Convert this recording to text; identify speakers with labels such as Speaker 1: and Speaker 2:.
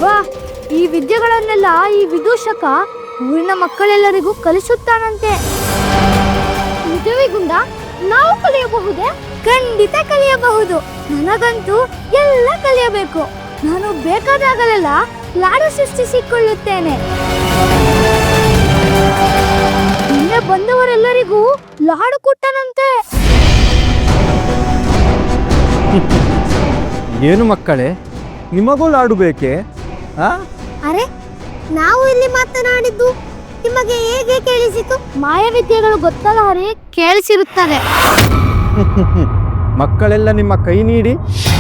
Speaker 1: ವಾ, ಈ ವಿದ್ಯೆಗಳನ್ನೆಲ್ಲ ಈ ವಿದೂಷಕ ಊರಿನ ಮಕ್ಕಳೆಲ್ಲರಿಗೂ ಕಲಿಸುತ್ತಾನಂತೆ. ನಿಜವಿಗುಂದ, ನಾವು ಕಲಿಯಬಹುದೇ? ಖಂಡಿತ ಕಲಿಯಬಹುದು. ನನಗಂತೂ ಎಲ್ಲ ಕಲಿಯಬೇಕು. ನಾನು ಬೇಕಾದಾಗಲೆಲ್ಲ ಲಾಡು ಸೃಷ್ಟಿಸಿಕೊಳ್ಳುತ್ತೇನೆ. ನಿನ್ನೆ ಬಂದವರೆಲ್ಲರಿಗೂ ಲಾಡು ಕೊಟ್ಟನಂತೆ.
Speaker 2: ಏನು ಮಕ್ಕಳೇ, ನಿಮಗೂ ಲಾಡು ಬೇಕೇ?
Speaker 1: ಅರೆ, ನಾವು ಇಲ್ಲಿ ಮಾತನಾಡಿದ್ದು ನಿಮಗೆ ಹೇಗೆ ಕೇಳಿಸಿತು? ಮಾಯವಿದ್ಯೆಗಳು ಗೊತ್ತಲ್ಲ ಹರಿ, ಕೇಳಿಸಿರುತ್ತದೆ.
Speaker 2: ಮಕ್ಕಳೆಲ್ಲ ನಿಮ್ಮ ಕೈ ನೀಡಿ